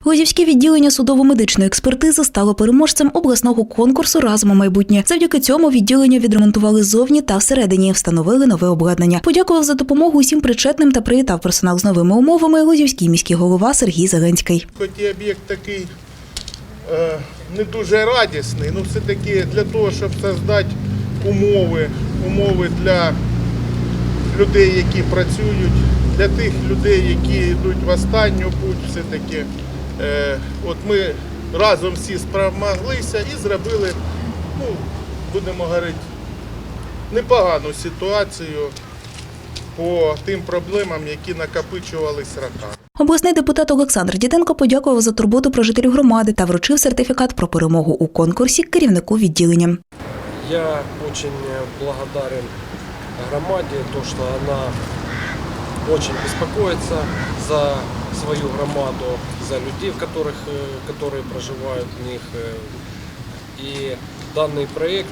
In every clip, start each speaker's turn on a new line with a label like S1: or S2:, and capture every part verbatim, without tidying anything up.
S1: Лозівське відділення судово-медичної експертизи стало переможцем обласного конкурсу «Разом у майбутнє». Завдяки цьому відділення відремонтували зовні та всередині, встановили нове обладнання. Подякував за допомогу усім причетним та привітав персонал з новими умовами Лозівський міський голова Сергій Зеленський.
S2: Хоч і об'єкт такий е, не дуже радісний, але все-таки для того, щоб створити умови, умови для людей, які працюють, для тих людей, які йдуть в останню путь, все-таки е, от ми разом всі спромоглися і зробили, ну, будемо говорити, непогану ситуацію по тим проблемам, які накопичувались роками.
S1: Обласний депутат Олександр Діденко подякував за турботу про жителів громади та вручив сертифікат про перемогу у конкурсі керівнику відділення.
S3: Я очень благодарен громаде, то, что она очень беспокоится за свою громаду, за людей, в которых, которые проживают в них. И данный проект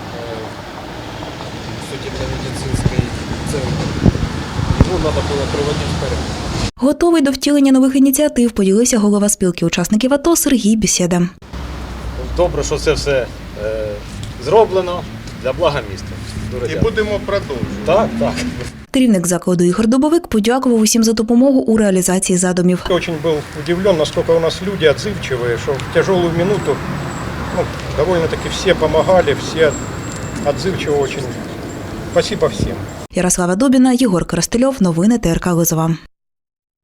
S3: судебно-медицинский центр, его надо было приводить в порядок.
S1: Готовий до втілення нових ініціатив поділився голова спілки учасників АТО Сергій Бесєда.
S4: Добре, що це все е, зроблено для блага міста.
S2: І будемо продовжувати.
S4: Так, так.
S1: Керівник закладу Ігор Дубовик подякував усім за допомогу у реалізації задумів.
S5: Я очень был удивлен, насколько у нас люди отзывчивые, что в тяжелую минуту ну, довольно-таки все помогали, все отзывчивы очень. Спасибо всем.
S1: Ярослава Добіна, Єгор Коростельов. Новини ТРК Лозова.